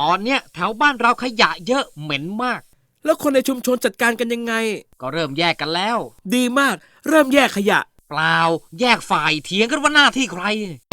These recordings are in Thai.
อนเนี้ยแถวบ้านเราขยะเยอะเหม็นมากแล้วคนในชุมชนจัดการกันยังไงก็เริ่มแยกกันแล้วดีมากเริ่มแยกขยะเปล่าแยกฝ่ายเถียงกันว่าหน้าที่ใคร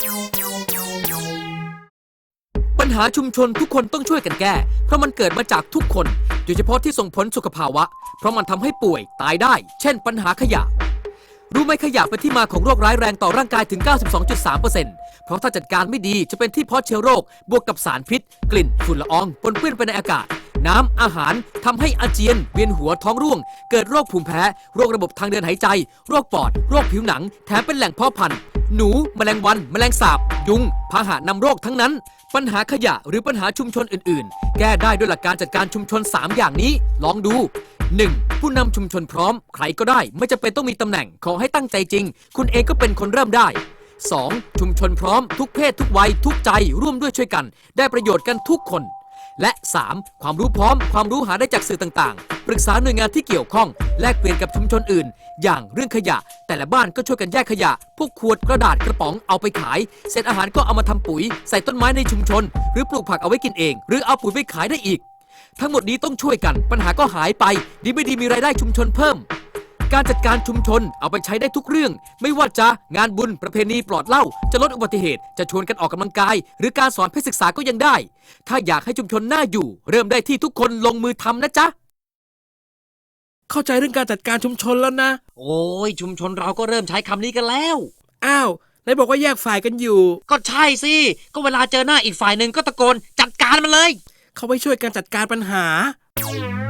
ปัญหาชุมชนทุกคนต้องช่วยกันแก้เพราะมันเกิดมาจากทุกคนโดยเฉพาะที่ส่งผลสุขภาวะเพราะมันทำให้ป่วยตายได้เช่นปัญหาขยะรู้ไหมขยะเป็นที่มาของโรคร้ายแรงต่อร่างกายถึง 92.3% เพราะถ้าจัดการไม่ดีจะเป็นที่เพาะเชื้อโรคบวกกับสารพิษกลิ่นฝุ่นละอองปนเปื้อนไปในอากาศน้ำอาหารทำให้อาเจียนเวียนหัวท้องร่วงเกิดโรคภูมิแพ้โรคระบบทางเดินหายใจโรคปอดโรคผิวหนังแถมเป็นแหล่งเพาะพันธุ์หนูแมลงวันแมลงสาบยุงพาหะนำโรคทั้งนั้นปัญหาขยะหรือปัญหาชุมชนอื่นๆแก้ได้ด้วยหลักการจัดการชุมชน3อย่างนี้ลองดู 1. ผู้นำชุมชนพร้อมใครก็ได้ไม่จำเป็นต้องมีตำแหน่งขอให้ตั้งใจจริงคุณเองก็เป็นคนเริ่มได้ 2. ชุมชนพร้อมทุกเพศทุกวัยทุกใจร่วมด้วยช่วยกันได้ประโยชน์กันทุกคนและ 3. ความรู้พร้อมความรู้หาได้จากสื่อต่างๆปรึกษาหน่วยงานที่เกี่ยวข้องแลกเปลี่ยนกับชุมชนอื่นอย่างเรื่องขยะแต่ละบ้านก็ช่วยกันแยกขยะพวกขวดกระดาษกระป๋องเอาไปขายเศษอาหารก็เอามาทำปุ๋ยใส่ต้นไม้ในชุมชนหรือปลูกผักเอาไว้กินเองหรือเอาปุ๋ยไปขายได้อีกทั้งหมดนี้ต้องช่วยกันปัญหาก็หายไปดีไม่ดีมีรายได้ชุมชนเพิ่มการจัดการชุมชนเอาไปใช้ได้ทุกเรื่องไม่ว่าจะงานบุญประเพณีปลอดเหล้าจะลดอุบัติเหตุจะชวนกันออกกำลังกายหรือการสอนเพศศึกษาก็ยังได้ถ้าอยากให้ชุมชนน่าอยู่เริ่มได้ที่ทุกคนลงมือทำนะจ๊ะเข้าใจเรื่องการจัดการชุมชนแล้วนะโอ้ยชุมชนเราก็เริ่มใช้คำนี้กันแล้วอ้าวไหนบอกว่าแยกฝ่ายกันอยู่ก็ใช่สิก็เวลาเจอหน้าอีกฝ่ายหนึ่งก็ตะโกนจัดการมันเลยเขาไว้ช่วยกันจัดการปัญหา